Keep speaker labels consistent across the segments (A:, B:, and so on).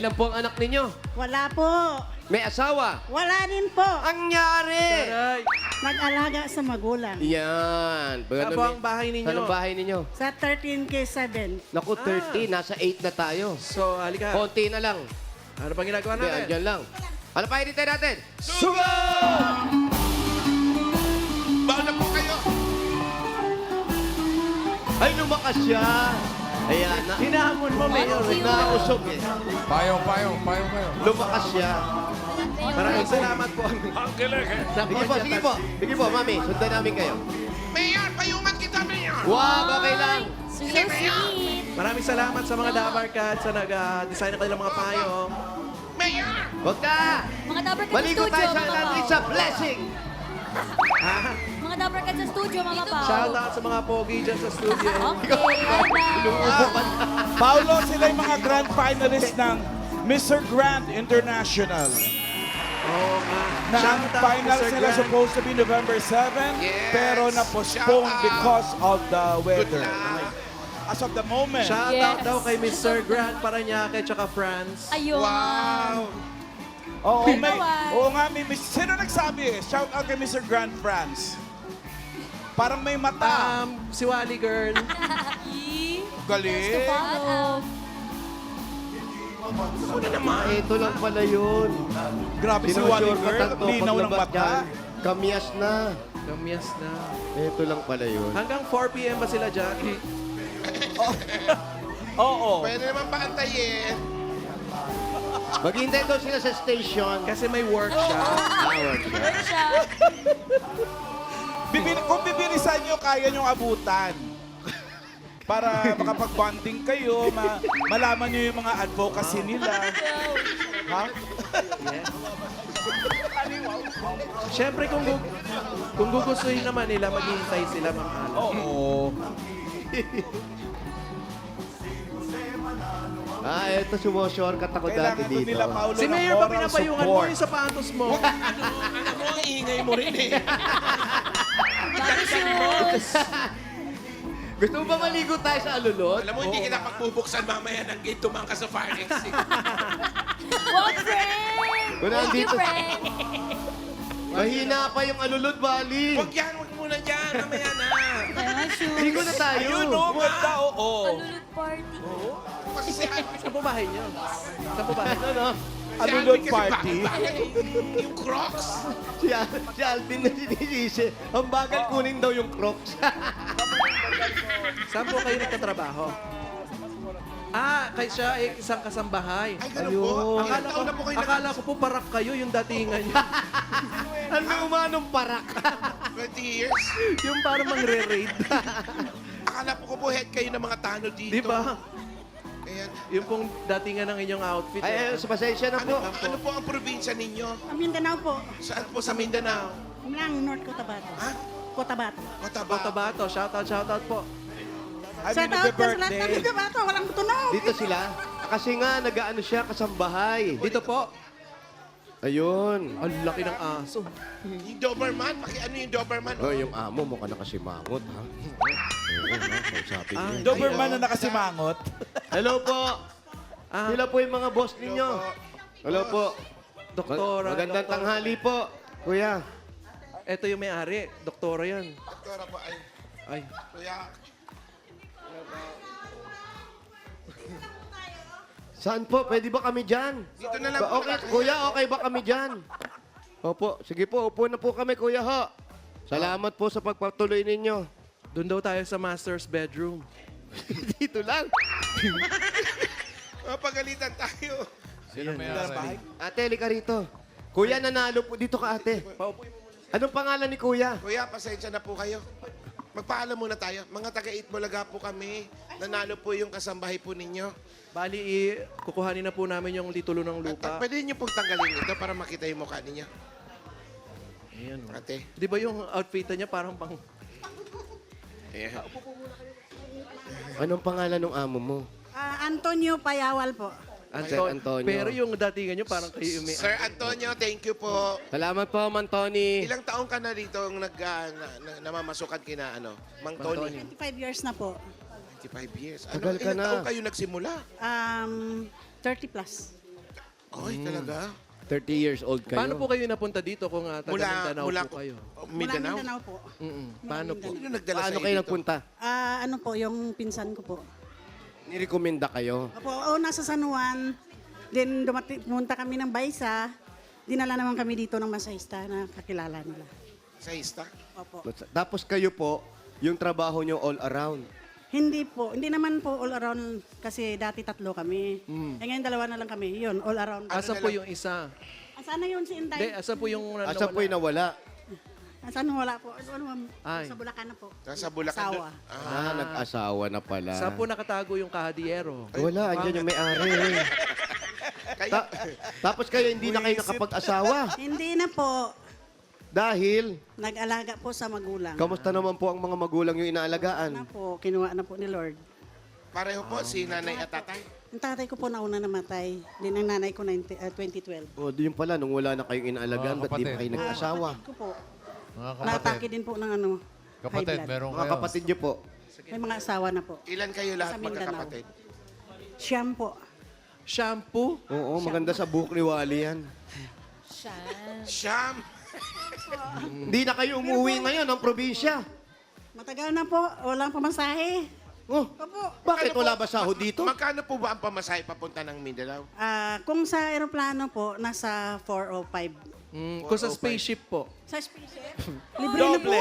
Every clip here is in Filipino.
A: Ilan po ang anak ninyo?
B: Wala po.
A: May asawa?
B: Wala din po.
A: Ang nyari!
C: Aray.
B: Nag-alaga sa magulang.
A: Yan.
C: Saan po ang bahay ninyo?
A: Saan ang bahay ninyo?
B: Sa 13K7.
A: Naku, 30. Nasa 8 na tayo.
C: So, halika.
A: Konti na lang.
C: Ano pang ginagawa
A: Hindi,
C: natin?
A: andyan lang. Ano pa edit natin?
D: Sugo! Bawal na po kayo.
A: Ay, lumakas siya. Ayan.
C: Hinahamon mo, Mayor.
A: Nausog eh.
D: Payong kayo.
A: Lumakas siya.
C: Maraming salamat po.
A: Sige po. Sige po, mami. Sundan namin kayo.
D: Mayor, payungan kita, Mayor.
A: Wow, okay lang.
E: So sweet.
C: Maraming salamat sa mga Dabar Cats sa nag-design ng kanilang mga payong.
D: Mayor!
A: Huwag ka.
E: Mga Dabber Cats sa
A: Maligo
E: studio,
A: tayo sa
E: Mama Pao.
A: It's a blessing.
C: Ha?
E: Mga Dabber Cats sa studio, Mama Pao.
C: Shout out sa mga pogi dyan sa studio.
E: Okay, bye-bye.
F: Paulo, sila yung mga grand finalists ng Mr. Grand International.
C: Oo nga.
F: Na ang
C: Shout out,
F: final
C: Mr.
F: sila
C: Grant.
F: supposed to be November 7,
D: Yes.
F: pero na-postpone
D: Shout out.
F: because of the
D: Good
F: weather.
D: luck.
F: As of the moment,
C: Shout out
E: Yes.
C: daw kay Mr. Grant Paranaque tsaka France.
E: Ayun.
D: Wow!
F: oo, may,
E: Bawal.
F: oo nga, sino nagsabi? Shout out kay Mr. Grand France. Parang may mata.
C: Si Wally Girl.
F: Galing.
E: Follow.
A: Ito lang pala yun.
F: Grabe si Wally Girl. Linaw ng mata.
A: Kamyas na.
C: Kamyas na.
A: Ito lang pala yun.
C: Hanggang 4 p.m. ba sila dyan?
F: Oo.
D: Pwede naman pakantayin.
A: Maghintay daw sila sa station.
C: Kasi may workshop.
E: Workshop.
F: Kung bibilisan nyo, kaya nyong abutan. Para makapag-bonding kayo, malaman nyo yung mga advocacy nila. Ha?
C: Siyempre, kung gugustuhin naman nila, maghihintay sila mga
F: Oo.
A: Ito sumushortcut ako dati
F: Kailangan doon
A: dito.
F: nila, Paulo,
C: Si
F: ng
C: Mayor pa
F: moral
C: pinapayungan mo
F: support.
C: yung sapatos mo.
D: Alam mo, ang ingay mo rin eh.
E: Bagay shoes.
A: Gusto mo ba maligo tayo sa alulot?
D: Alam mo, hindi kita pagbubuksan mamaya ng gate tumangka sa fire exit.
E: Wow, friend.
A: Kung
E: Thank you,
A: nandito-
E: friend.
A: Mahina pa yung alulot, Bali.
D: Huwag yan, huwag muna dyan. Mamaya na.
E: Mga shoes.
A: Ligo na tayo.
F: Ayun, no, ganda, oo.
E: Alulot party.
D: Kasi si Alvin,
C: Saan po bahay niyo? Saan po bahay niyo?
A: Ano?
D: si
F: Alulot
D: Alvin kasi
F: party.
D: bakit yung Crocs.
A: Si Alvin na sinisisi. Ang bagal kunin daw yung Crocs.
C: Saan po kayo nagtatrabaho? Kay siya ay isang kasambahay.
D: Ay, ganun po. Ilang
C: Akala ko,
D: taon na po kayo
C: akala ko po parak kayo yung datingan niyo.
A: Ang lumanong parak.
D: 20 years.
C: Yung parang mangre-raid.
D: Akala po ko po head kayo ng mga tanod dito.
C: Di ba?
D: Ayan.
C: Yung pong datingan ng inyong outfit.
A: Ay, sa pasensya na po.
D: Ano po ang probinsya ninyo?
B: Mindanao po.
D: Saan po sa Mindanao?
B: Lang, North Cotabato.
D: Ha?
B: Cotabato.
D: Cotabato.
C: Cotabato. Shoutout po.
F: I
B: Shout
F: mean,
B: out
F: the
B: ka sa lahat ng
F: birthday.
B: Cotabato. Walang tunog.
A: Dito sila. Kasi nga, nag-ano siya, kasambahay.
C: Dito po.
A: Ayun.
C: Ang laki ng aso.
D: Yung Doberman? Ano yung Doberman?
A: Oh, yung amo mo ka na kasi mangot, ha? Oo, ha? Kausapin niya.
F: Doberman na nakasimangot.
A: Hello po.
C: Ah,
A: Sila po yung mga boss ninyo. Hello po.
C: doktora.
A: Magandang
C: doktora.
A: tanghali po, kuya.
C: Ito yung may-ari. Doktora yan.
D: Doktora po ay.
C: Ay.
D: Kuya.
A: Saan po? Pwede ba kami dyan?
D: Dito na lang po.
A: Okay, kuya, okay ba kami dyan? Opo, sige po, upo na po kami, kuya ho. Salamat po sa pagpatuloy ninyo.
C: Doon daw tayo sa master's bedroom.
A: Dito lang.
D: Mapagalitan tayo.
A: Ate, halika rito. Kuya, nanalo po. Dito ka, ate. Anong pangalan ni kuya?
D: Kuya, pasensya na po kayo. Magpaalam muna tayo. Mga taga-Eat Bulaga po kami. Nanalo po yung kasambahay po ninyo.
C: Bali, kukuhanin na po namin yung titulo ng lupa.
D: Pwede niyo pong tanggalin ito para makita yung mukha ninyo.
C: Ayan. oh.
D: Ate.
C: Di ba yung outfit niya parang pang...
D: Ayan.
A: Anong pangalan ng amo mo?
B: Antonio Payawal po.
A: Sir Antonio.
C: Pero yung datingan niyo parang kayo yung may...
D: Sir Antonio, thank you po.
A: Salamat po, Man Tony.
D: Ilang taong ka na rito namamasukan kina Mang Tony?
B: 25 years na po.
D: 25 years.
A: Tagal ka
D: ilang
A: na.
D: taong kayo nagsimula?
B: 30 plus.
D: Ay, talaga?
A: 30 years old kayo.
C: Paano po kayo napunta dito kung taga Mindanao
D: Mula
C: po kayo?
B: Mula
D: Mindanao?
B: Mindanao po.
C: Paano po?
D: Sino nagdala
A: Paano
D: sa'yo
A: kayo
D: dito?
A: nagpunta?
B: Ano po, yung pinsan ko po.
A: Nirekomenda kayo?
B: Opo, nasa San Juan. Then pumunta kami ng Baysa. Dinala naman kami dito ng masahista na kakilala nila.
D: Sa Ista?
B: Opo.
A: Tapos kayo po, yung trabaho nyo all around.
B: Hindi po, hindi naman po all around kasi dati 3 kami. Ngayon 2 na lang kami. Yun, all around.
C: Asan po yung isa?
B: Asan na yun si
C: Hindi,
B: Inday?
C: asan po yung
A: Asa po yung nawala?
B: Asan wala po? Ano,
C: Ay.
B: sa Bulacan na po.
D: Nasa Bulacan
B: Asawa.
A: Ah, nag-asawa na pala.
C: Saan po nakatago yung kahadiyero?
A: Wala, andyan yung may-ari. Tapos kayo hindi na kayo nakapag-asawa.
B: Hindi na po.
A: Dahil,
B: Nag-alaga po sa magulang.
A: kamusta naman po ang mga magulang yung
B: Na
A: inaalagaan?
B: po, kinuha na po ni Lord.
D: Pareho po, si nanay at tatay.
B: Ang tatay ko po nauna namatay. Din ang nanay ko 2012.
A: O, yun pala, nung wala na kayong inaalagaan, ba't di pa kayo nag-asawa?
B: Kapatid ko po.
G: Mga
B: Natake din po ng high
G: kapatid,
B: blood.
G: meron
A: Mga
G: kayo.
A: kapatid nyo po.
B: May mga asawa na po.
D: Ilan kayo lahat
B: Sa Mindanao.
D: magkakapatid?
B: Siyam po.
C: Shampoo?
A: Oo, maganda sa buhok ni Wally yan.
D: Siyam!
A: Hindi na kayo umuwi ngayon ng probinsya.
B: Matagal na po. Walang pamasahe.
A: Oh,
B: Opo.
A: bakit wala ba sahod dito?
D: Magkano po ba ang pamasahe papunta ng Mindanao?
B: Kung sa aeroplano po, nasa 4 o 5.
C: Kung sa spaceship po.
B: Sa spaceship, libre na po.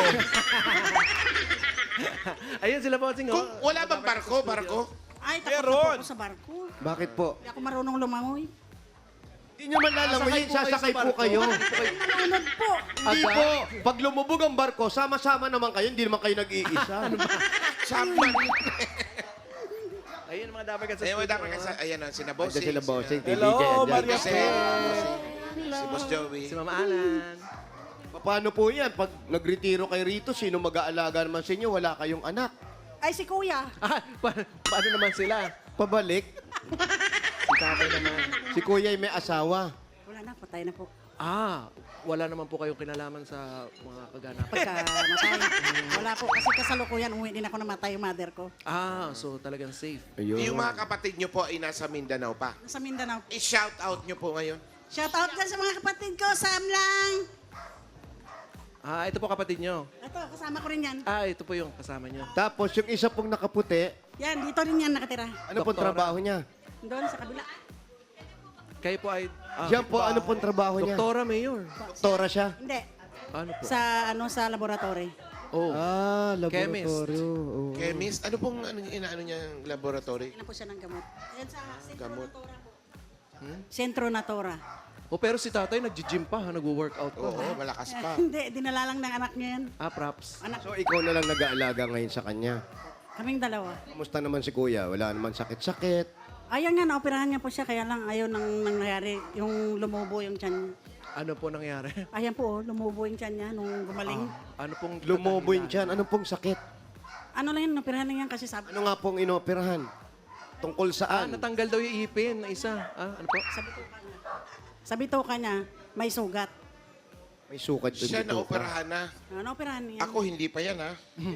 C: Ayun sila po.
D: Kung wala bang barko?
B: Ay, takot na po ako sa barko.
A: Bakit po?
B: Hindi ako marunong lumangoy.
A: Hindi nyo man lalangoyin, sasakay po kayo.
B: Nalunod po.
A: Hindi po. Pag lumubog ang barko, sama-sama naman kayo, hindi naman kayo nag-iisa.
D: Saman.
C: Ayun mga dapat ka sa
D: Ayun,
C: studio.
D: dapat kasi, ayan o, sina Bossing.
A: Andiyan sila bossing,
F: Hello,
A: TVJ, andyan.
F: Maria
D: Si, si Boss Joey.
C: Si Mama Alan.
A: Paano po yan? Pag nagretiro kayo rito, sino mag-aalaga naman sa inyo? Wala kayong anak.
B: Ay, si kuya.
C: Paano naman sila?
A: Pabalik.
C: Si tatay naman.
A: Si kuya ay may asawa.
B: Wala na, patay na po.
C: Wala naman po kayong kinalaman sa mga kaganapan.
B: Pagka matay. Wala po, kasi kasalukuyan, umuwi din ako namatay yung mother ko.
C: So talagang safe.
A: Ayun.
D: Yung mga kapatid nyo po ay nasa Mindanao pa.
B: Nasa Mindanao.
D: I-shout out nyo po ngayon.
B: Shout out dyan sa mga kapatid ko, Sam lang.
C: Ito po kapatid nyo.
B: Ito, kasama ko rin yan.
C: Ito po yung kasama nyo.
A: Tapos yung isa pong nakaputi,
B: Yan, dito rin yan nakatira.
A: ano pong
C: Doktora.
A: trabaho niya?
B: Doon sa kabila.
C: Kayo po ay...
A: Diyan po, ano pong trabaho niya?
C: Doktora Mayor.
A: Doktora siya?
B: Hindi.
C: Ano po?
B: Sa laboratory.
C: Oh.
A: Laboratorio. Oo.
D: Chemist, ano pong inaano niyang laboratory?
B: Yan po siya ng gamot. Yan sa Centro
D: Gamot.
B: Natura po. Centro Natura.
C: Pero si tatay nag-gym pa, nag-workout pa.
D: Oo, malakas pa.
B: Hindi, dinala lang ng anak niya yan.
C: Props.
B: Anak,
A: So ikaw na lang nag-aalaga ngayon sa kanya.
B: kaming dalawa.
A: Kumusta naman si kuya? Wala naman sakit-sakit.
B: Ayan nga, naoperahan niya po siya, kaya lang ayaw nang nangyari yung lumubo yung tiyan niya.
C: Ano po nangyari?
B: Ayan po, lumubo yung tiyan niya nung gumaling.
C: Ano pong...
A: Lumobo yun dyan. Anong pong sakit?
B: Ano lang yun, operahan lang yan kasi sabi,
A: Ano nga pong inoperahan? Tungkol saan?
C: Natanggal daw yung ipin na isa. Ano po?
B: sabi to ka niya, may sugat.
A: May sukat doon
D: Siya
A: dito.
D: na-operahan na.
B: Naoperahan niya.
D: Ako hindi pa yan, ha?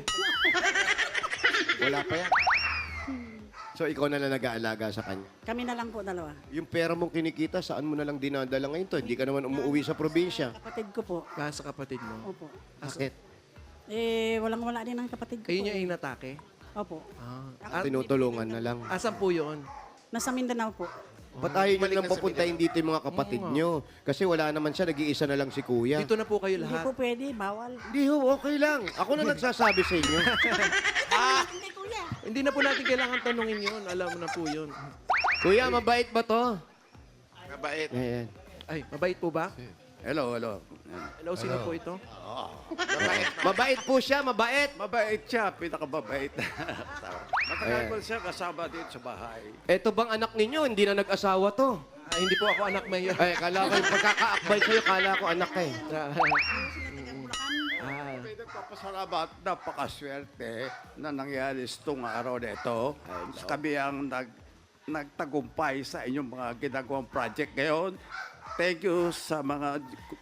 D: Wala pa yan.
A: So ikaw na lang nag-aalaga sa kanya.
B: Kami na lang po dalawa.
A: Yung pera mong kinikita, saan mo na lang dinadala ngayon to? Hindi ka naman umuwi sa probinsya.
B: Kapatid ko po.
C: Sa kapatid mo.
B: Opo.
A: Bakit?
B: Walang-wala din ang kapatid ko
C: Kayo
B: po.
C: niya yung inatake?
B: Opo.
A: Tinutulungan na lang.
C: Asan po yun?
B: Nasa Mindanao po.
A: Ba't ayaw nyo
D: Balik
A: lang
D: na sa
A: papuntahin dito yung mga kapatid nyo? Kasi wala naman siya, nag-iisa na lang si kuya.
C: Dito na po kayo
B: Hindi
C: lahat.
B: po pwede, bawal.
A: Hindi ho, okay lang. Ako na nagsasabi sa inyo.
B: Hindi, kuya.
C: Hindi na po natin kailangan tanungin yun. Alam mo na po yun.
A: Kuya, mabait ba to?
D: Mabait.
A: Ayan.
C: Ay, mabait po ba?
H: Hello.
C: Hello, sino po ito?
D: Mabait.
A: Mabait po siya, mabait.
H: Mabait siya, pinakamabait. Matagal ko siya kasama dito sa bahay.
A: Eto bang anak ninyo, hindi na nag-asawa to?
C: Hindi po ako anak mayor.
A: Ay, kala ko yung pagkakaakbay sa'yo, kala ko anak ka eh.
H: Nagpapasalamat, napakaswerte na nangyari itong araw na ito. Kami ang nagtagumpay sa inyong mga ginagawang project ngayon. Thank you sa mga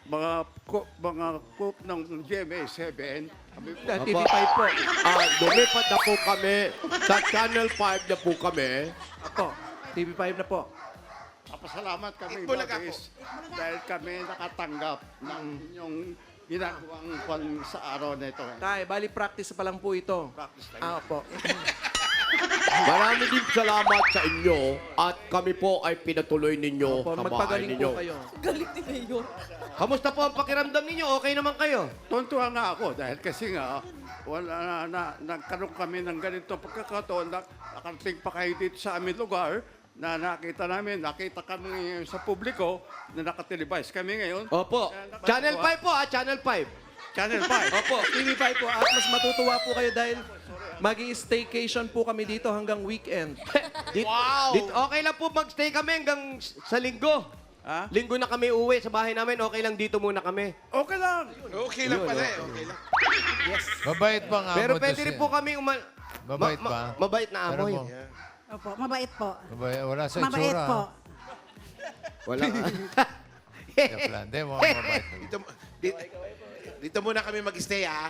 H: cook ng GMA7. Kami po,
C: TV5 po.
A: Lumipat na po kami. Sa Channel 5 na po kami.
C: Ako, TV5 na po.
H: Papasalamat kami,
D: Itbulaga
H: Bagis, dahil kami nakatanggap ng inyong ginagawang kwan sa araw na ito.
C: Tay, bali practice pa lang po ito.
H: Practice lang.
C: Ah, opo.
A: Marami din salamat sa inyo at kami po ay pinatuloy ninyo
C: Opo,
A: sa bahay
C: magpagaling
A: ninyo.
C: po kayo.
E: Galit ni Mayor.
A: Kamusta po ang pakiramdam ninyo? Okay naman kayo?
H: Tuntua nga ako dahil kasi nga, wala nagkaroon kami ng ganito pagkakataon na nakarating pa kayo dito sa aming lugar na nakita kami sa publiko na nakatelevise kami ngayon.
A: Opo. Channel 5 po Channel 5.
H: Channel 5.
C: Opo, TV5 po. At mas matutuwa po kayo dahil mag-i-staycation po kami dito hanggang weekend.
A: Wow! Okay lang po magstay kami hanggang sa linggo.
H: Ha?
A: Linggo na kami uwi sa bahay namin. Okay lang dito muna kami.
H: Okay lang.
D: Okay lang pala eh. Okay lang.
G: Mabait ba nga
A: Pero
G: mo
A: pwede
G: to
A: rin
G: siya?
A: po kami
G: Mabait ba?
A: Mabait na
G: Pero
A: amoy.
G: mo,
B: Opo, mabait po.
G: wala sa
B: Mabait
G: itsura.
B: po.
A: Wala.
G: Joke lang. Hindi, mukhang mabait.
D: Dito muna kami mag-stay, ah.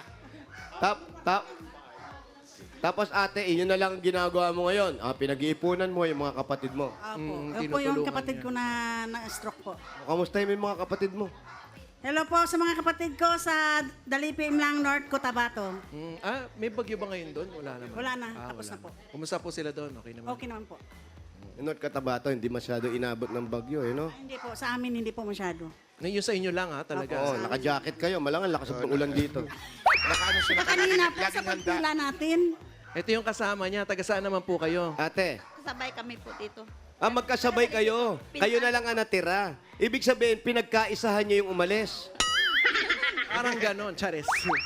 A: Tapos ate, inyo na lang ang ginagawa mo ngayon. Pinag-iipunan mo yung mga kapatid mo.
B: Opo. Yun po yung
C: tinutulungan
B: kapatid
C: niya.
B: ko na na-stroke po.
A: Kamusta yung mga kapatid mo?
B: Hello po sa mga kapatid ko sa Dalipi, Imlang, North Cotabato.
C: May bagyo ba ngayon doon? Wala naman.
B: Wala na, tapos
C: wala
B: na po.
C: Kumusta po sila doon? Okay naman.
B: Okay naman po.
A: North Cotabato, hindi masyado inabot ng bagyo, no?
B: Ay, hindi po, sa amin hindi po masyado.
C: Yun sa inyo lang ha, talaga.
A: Oo, naka-jacket kayo. Malangan lakas ng ulan dito.
D: Nakaano siya,
B: Kanina po sa
D: laging handa.
B: pagpila natin,
C: Ito yung kasama niya. Taga saan naman po kayo?
A: Ate,
E: Sabay kami po dito.
A: magkasabay kayo. Kayo na lang ang natira. Ibig sabihin, pinagkaisahan niyo yung umalis.
C: Parang ganon, Charis.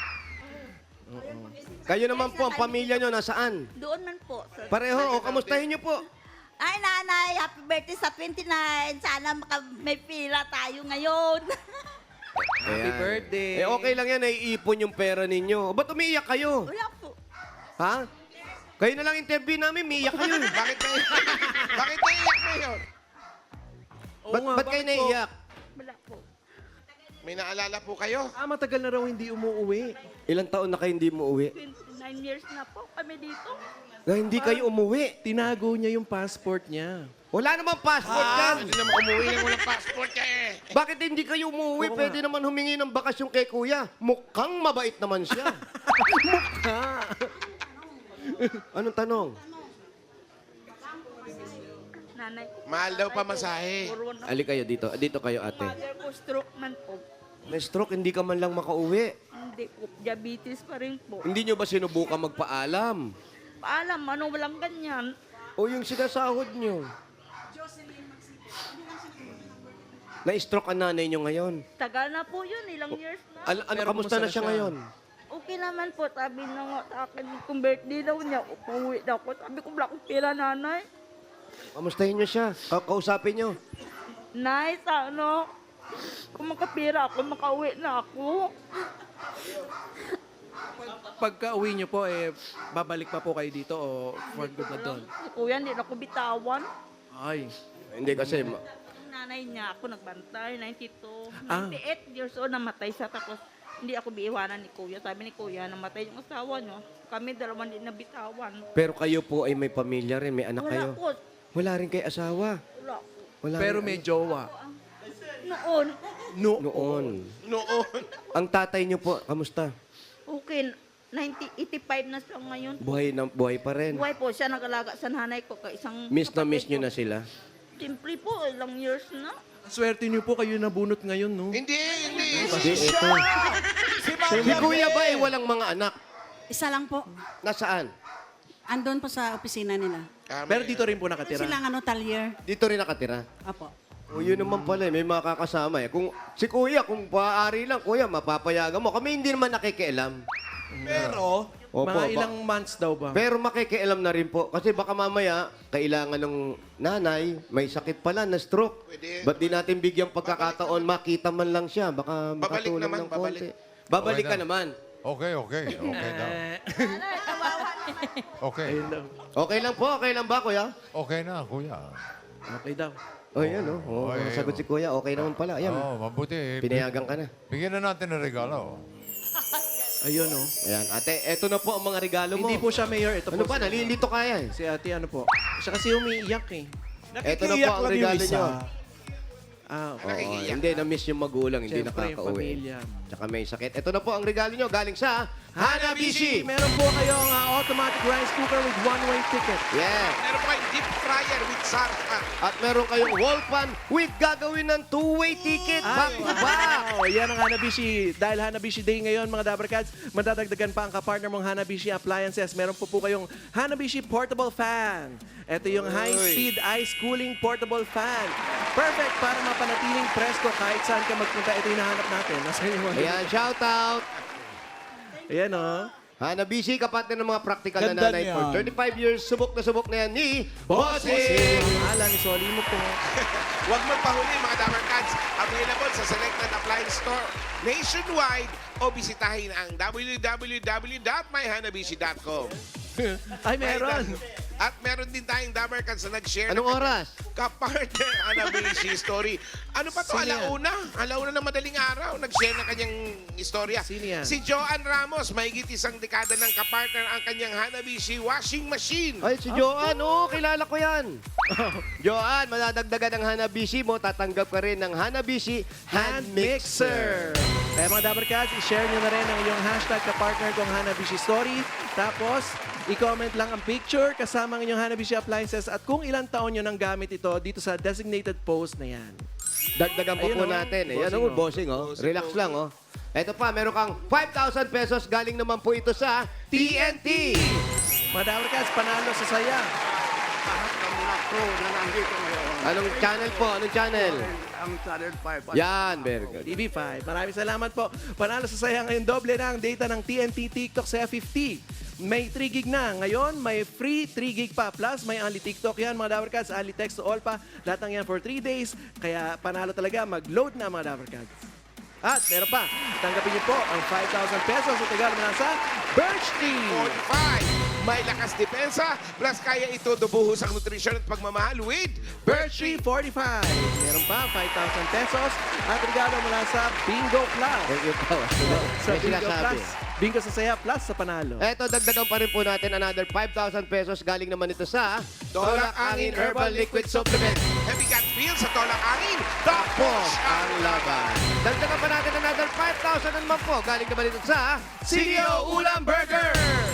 A: Kayo naman po, ang pamilya niyo nasaan?
E: Doon man po.
A: Pareho, kamustahin niyo po.
E: Ay, nanay, happy birthday sa 29. Sana may pila tayo ngayon.
C: Happy birthday.
A: Okay lang yan, naiipon yung pera ninyo. Ba't umiiyak kayo?
E: Wala po.
A: Ha? Kayo na lang interview namin, umiiyak kayo.
D: Bakit naiiyak na yun?
C: Oo
A: Ba't
C: nga,
A: kayo
C: bakit po?
A: naiiyak?
E: Wala po.
D: May naalala po kayo?
C: Matagal na raw hindi umuwi.
A: Ilang taon na kayo hindi mo uwi?
E: 29 years na po kami dito.
A: Na hindi kayo umuwi.
C: Tinago niya yung passport niya.
A: Wala namang passport yan.
D: Hindi naman umuwi na walang passport ka eh.
A: Bakit hindi kayo umuwi? Pwede naman humingi ng bakasyon kay kuya. Mukhang mabait naman siya. Anong tanong?
E: Nanay,
D: Mahal daw pa masahe.
E: puro na.
A: Ali kayo dito. Dito kayo, ate.
E: Mother ko, stroke man po.
A: May stroke, hindi ka man lang makauwi.
E: Hindi po, diabetes pa rin po.
A: Hindi nyo ba sinubukan magpaalam?
E: Paalam, walang ganyan.
A: O yung sinasahod nyo? Na-stroke ang nanay nyo ngayon.
E: Tagal na po yun, ilang years na.
A: Ano,
C: Pero
A: kamusta
C: kumusta
A: na
C: na
A: siya
C: siya?
A: ngayon?
E: Okay naman po, sabi na nga sa akin, kung birthday daw niya, upauwi daw ako. Sabi ko, wala akong pera, nanay.
A: Kamustahin nyo siya? Kausapin nyo?
E: Nay, ano, kung makapira ako, makauwi na ako.
C: Pagka uwi niyo po, babalik pa po kayo dito o for good na doon?
E: Si kuya, hindi na ako bitawan.
C: Ay.
A: Hindi kasi...
E: Yung nanay niya, ako nagbantay, 92.
C: Ah.
E: 98 years old, namatay siya. Tapos, hindi ako biiwanan ni kuya. Sabi ni kuya, namatay yung asawa niyo. Kami dalawa hindi nabitawan.
A: Pero kayo po ay may pamilya rin, may anak
E: Wala
A: kayo.
E: po.
A: Wala rin kay asawa.
E: Wala po.
A: Wala
C: Pero
A: rin-
C: may jowa.
E: Noon,
A: Noon.
D: Noon.
A: Ang tatay nyo po, kamusta?
E: okay, 85 na siya ngayon.
A: Buhay pa rin.
E: Buhay po siya, nag-alaga sa nanay ko. Isang
A: Miss na miss
E: kapatid
A: nyo
E: ko.
A: na sila.
E: Siyempre po, ilang years na.
C: Swerte niyo po kayo nabunot ngayon, no?
D: Hindi.
A: Hindi, ito. Si kuya ba ay walang mga anak?
B: isa lang po.
A: Nasaan?
B: Andun po sa opisina nila.
C: Pero dito rin po nakatira.
B: Silang talyer.
A: Dito rin nakatira.
B: Opo.
A: O yun naman pala, may mga kakasama eh. Kung, si kuya, kung paari lang, kuya, mapapayagan mo. Kami hindi naman nakikialam.
F: Pero,
A: Opo,
C: Mga ilang months daw ba?
A: Pero makikialam na rin po. Kasi baka mamaya, kailangan ng nanay, may sakit pala na stroke.
D: Pwede.
A: Ba't di natin bigyang pagkakataon, makita man lang siya. Baka
D: Babalik
A: makatulong
D: naman,
A: ng
D: babalik.
A: konti. Babalik
G: Okay
A: ka
G: na.
A: naman.
G: Okay. Okay daw. Okay.
C: Ayun daw.
A: Okay lang po, okay lang ba, kuya?
G: Okay na, kuya.
C: Okay daw.
A: O, yan, o. Oh,
G: Okay,
A: sagot si kuya, okay naman pala. Ayan,
G: Mabuti.
A: pinayagan ka na.
G: Bigyan na natin ng regalo.
C: Ayun, oh.
A: Ayan, ate, eto na po ang mga regalo mo.
C: Hindi po siya mayor. Ito
A: Ano
C: po
A: ba, nalilito kaya eh.
C: si ate, ano po. Siya kasi umiiyak eh.
A: Ito na po
F: Nakikiyak
A: ang
F: lang yung
A: regalo
F: isa.
A: nyo.
C: Okay.
A: Oo,
D: Nakikiyak.
A: hindi, na-miss yung magulang, hindi
C: Siyempre,
A: nakakauwi.
C: pamilya.
A: Tsaka may sakit. Ito na po ang regalo nyo galing sa Hanabishi.
C: Meron po kayong automatic rice cooker with one-way ticket.
A: Yeah.
D: Meron po kayong deep fryer with sarsa.
A: At meron kayong wall pan with gagawin ng two-way ticket. Back to back.
C: Wow! Yan ang Hanabishi. Dahil Hanabishi Day ngayon, mga Dabarkads, madadagdagan pa ang kapartner mong Hanabishi Appliances. Meron po kayong Hanabishi Portable Fan. Ito yung high-speed ice cooling portable fan. Perfect para mapanatiling presko kahit saan ka magpunta. Ito yung hinahanap natin. Nasa inyo.
A: Ayan, shout out.
C: Ayan, oh.
A: Hanabishi, kapatid ng mga practical na
F: Ganda
A: nanay
F: niyan.
A: for 35 years. Subok na yan ni Bossing.
C: Ang ala ni Soli mo po.
D: Huwag magpahuli mga Dabar Cats. Available sa selected appliance store nationwide o bisitahin ang www.myhanabishi.com.
C: Ay, meron.
D: At meron din tayong Dabar Cats na nag-share
A: Anong oras?
D: Kapartner Hanabishi story. Ano pa to?
C: Sino yan?
D: Alauna ng madaling araw. Nag-share ng kanyang istorya.
C: Sino yan?
D: Si Joanne Ramos. Mahigit isang dekada ng kapartner ang kanyang Hanabishi washing machine.
A: Ay, si Joanne. Oo, kilala ko yan. Joanne, madadagdagan ang Hanabishi mo. Tatanggap ka rin ng Hanabishi Hand Mixer.
C: Kaya mga Dabarkads, i-share nyo na rin ang inyong hashtag kapartner kong Hanabishi Story. Tapos, i-comment lang ang picture kasama ang inyong Hanabishi Appliances at kung ilang taon nyo nang gamit ito dito sa designated post na yan.
A: Dagdagan pa
C: Ayun,
A: po
C: oh.
A: natin. Ayan,
C: Bossing,
A: oh, bossing, oh. Relax lang, oh. Ito pa, meron kang 5,000 pesos. Galing naman po ito sa TNT.
C: Mga Dabarkads, panalo sa saya.
H: Lahat ng mga crew na nandito ngayon.
A: Anong channel po? Anong channel?
H: Ang Channel 5.
A: Yan, very good.
C: TV5. Maraming salamat po. Panalo sa saya ngayon. Doble na ang data ng TNT TikTok sa 50. May 3 gig na. Ngayon, may free 3 gig pa. Plus, may only TikTok yan, mga Dabarkads. Only text to all pa. Lahat ng yan for 3 days. Kaya panalo talaga. Mag-load na, mga Dabarkads. At meron pa. Tanggapin niyo po ang 5,000 pesos sa regalo mula sa Birch Tree.
D: 45. May lakas depensa, plus kaya ito dubuhos ang nutrisyon at pagmamahal with
C: Birch Tree 45. Meron pa 5,000 pesos at regalo mula sa Bingo Plus.
A: Thank you po.
C: Sa
A: May
C: Bingo
A: sinasabi.
C: Plus. Bingo sa saya plus sa panalo.
A: Eto, dagdagan pa rin po natin another 5,000 pesos. Galing naman ito sa
D: Tolak Angin Herbal Liquid Supplement. Heavy gut feel sa Tolak Angin.
A: Tapos ang laban. Dagdagan pa natin another 5,000 naman po. Galing naman ito sa
C: CDO Ulam Burger.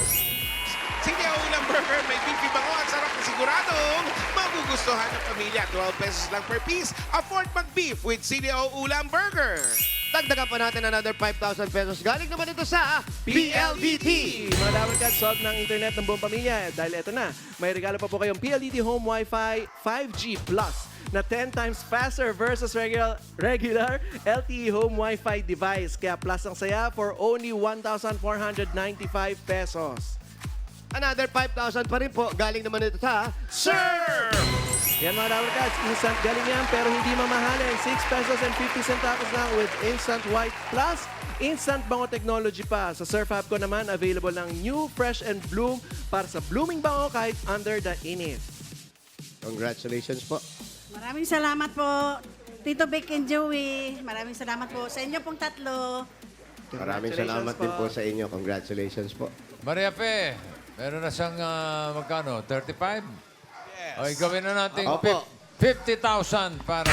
D: CDO Ulam Burger, may beefy bango at sarap na siguradong magugustuhan ng pamilya. 12 pesos lang per piece. Afford mag-beef with CDO Ulam Burger.
A: Dagdagan pa natin another 5,000 pesos. Galing naman ito sa PLDT.
C: Mga Dabarkads, solve ng internet ng buong pamilya. Dahil eto na, may regalo pa po kayong PLDT Home Wi-Fi 5G Plus na 10 times faster versus regular LTE Home Wi-Fi device. Kaya plus ang saya for only 1,495 pesos.
A: Another 5,000 pa rin po. Galing naman ito sa
D: Sir!
C: Yan mga Dabarkads, instant galing yan pero hindi mamahalin. 6 pesos and 50 centavos lang with Instant White Plus. Instant bango technology pa. Sa Surf Hub ko naman, available ng new Fresh and Bloom para sa blooming bango kahit under the init.
A: Congratulations po.
B: Maraming salamat po, Tito Vic and Joey. Maraming salamat po sa inyo pong tatlo.
A: Maraming salamat din po sa inyo. Congratulations po.
G: Maria Fe, meron na siyang magkano? 35? Yes. O, gawin na natin
A: Opo.
G: 50,000 para...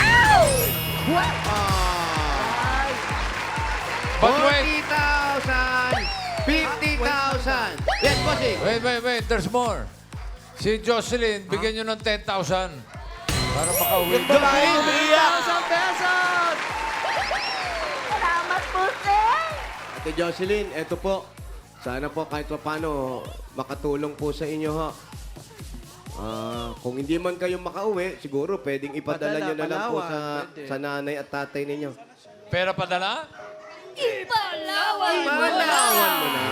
G: But wait!
A: 40,000! 50,000! Yes, bossing!
G: Wait. There's more. Si Jocelyn, bigyan nyo ng 10,000 para makauwi.
C: 1,000 pesos!
E: Salamat po, sir!
A: Ate Jocelyn, eto po. Sana po kahit pa paano makatulong po sa inyo ha. Kung hindi man kayo makauwi, siguro pwedeng ipadala
C: Padala,
A: nyo na lang po
C: Palawan, pwede.
A: sa nanay at tatay ninyo.
G: Pera padala?
E: Ipalawan mo
A: Palawan mo na.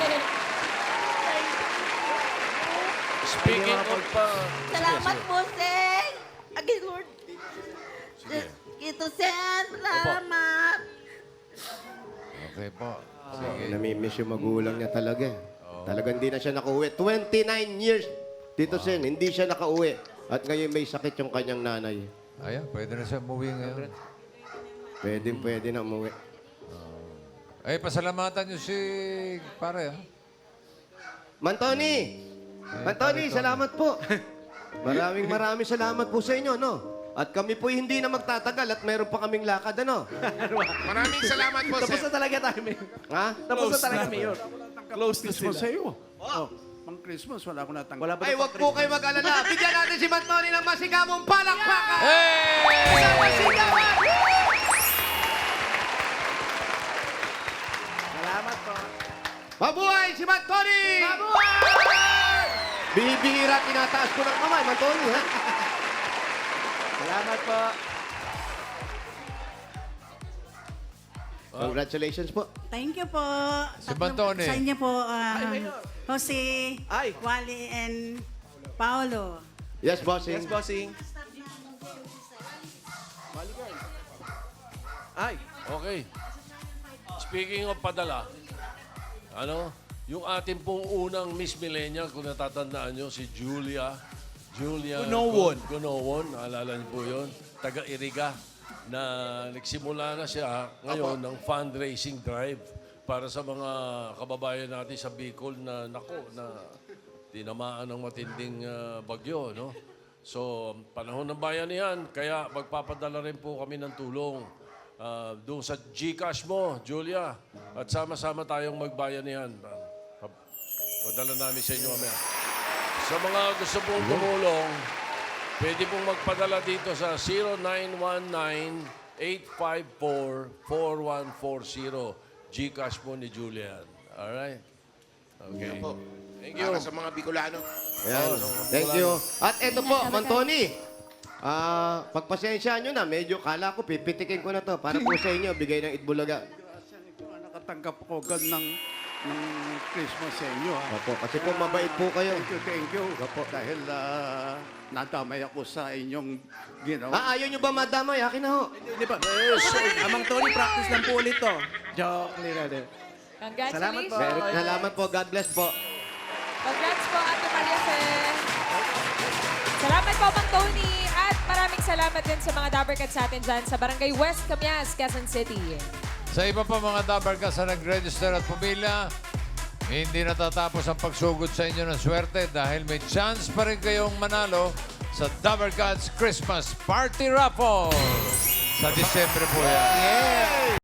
G: Speaking of...
E: Salamat po, sir! Again, Lord. Ito, sir. Salamat.
G: Okay po. Sige.
A: Namimiss yung magulang niya talaga. Talagang hindi na siya nakauwi. 29 years, Tito Sen, hindi siya nakauwi. At ngayon may sakit yung kanyang nanay.
G: Ayan, pwede na siya umuwi ngayon.
A: Pwede na umuwi.
G: Ay, pasalamatan nyo si pare, ha?
A: Mantoni! Mantoni, salamat po. Maraming salamat po sa inyo, no? At kami po hindi na magtatagal at meron pa kaming lakad, ano?
D: Maraming salamat po,
C: Tapos
D: sir.
C: na talaga tayo, Mayor.
A: Ha?
C: Tapos na talaga, Mayor.
F: Close na
H: Christmas sa
F: sila.
H: iyo. Oh, pang Christmas, wala akong natanggap.
C: Wala ba
A: Ay, wag po kayo mag-alala. Bigyan natin si Mantoni ng masigabong palakpakan!
G: Hey!
A: Isang masigawan!
C: Salamat po.
A: Mabuhay si Mantoni! Mabuhay! Bibihira, tinataas ko ng kamay, Mantoni, ha?
C: Salamat po.
A: Congratulations po.
B: Thank you po.
G: Si Bantone.
B: Sa inyo po,
C: Mayor.
B: Jose,
C: Ay.
B: Wally, and Paolo.
A: Yes, bossing.
C: Yes, bossing. Ay,
I: Okay. Speaking of padala, yung ating pong unang Miss Millennial, kung natatandaan nyo, si Julia
F: Gunowon.
I: Gunowon, naalala niyo po yun. Taga-Iriga, na nagsimula na siya ngayon ng fundraising drive para sa mga kababayan natin sa Bicol na, tinamaan ng matinding bagyo, no? So, panahon ng bayanihan, kaya magpapadala rin po kami ng tulong. Doon sa GCash mo, Julia. At sama-sama tayong magbayanihan. Padala namin sa inyo mamaya. Sa mga gusto pong tumulong, pwede pong magpadala dito sa 0919-854-4140. GCash po ni Julian. Alright? Okay. Thank you.
D: Para sa mga Bicolano.
A: Ayan. Thank you. At eto po, Mantoni. Pagpasensyaan nyo na, medyo kala ko, pipitikin ko na to para po sa inyo, bigay ng Itbulaga.
H: Nakatanggap ko agad ng Christmas sa inyo. Ha?
A: Opo, kasi po mabait po kayo.
H: Thank you. Dahil nadamay ako sa inyong ginawa.
A: Ayaw nyo ba madamay? Akin na ho.
C: di ba? Amang Tony, practice lang po ulit to. Joke, nila din. Salamat po.
A: Merry salamat po. God bless po.
J: Congrats po, Ate Maria Fe. Salamat po, Mang Tony. At maraming salamat din sa mga Dabbercats sa atin dyan sa Barangay West Camias, Quezon City.
G: Sa iba pa mga Dabbercats na nag-register at pumila, hindi natatapos ang pagsugod sa inyo ng swerte dahil may chance pa rin kayong manalo sa Dabbercats Christmas Party Raffle. Sa Disyembre po yan.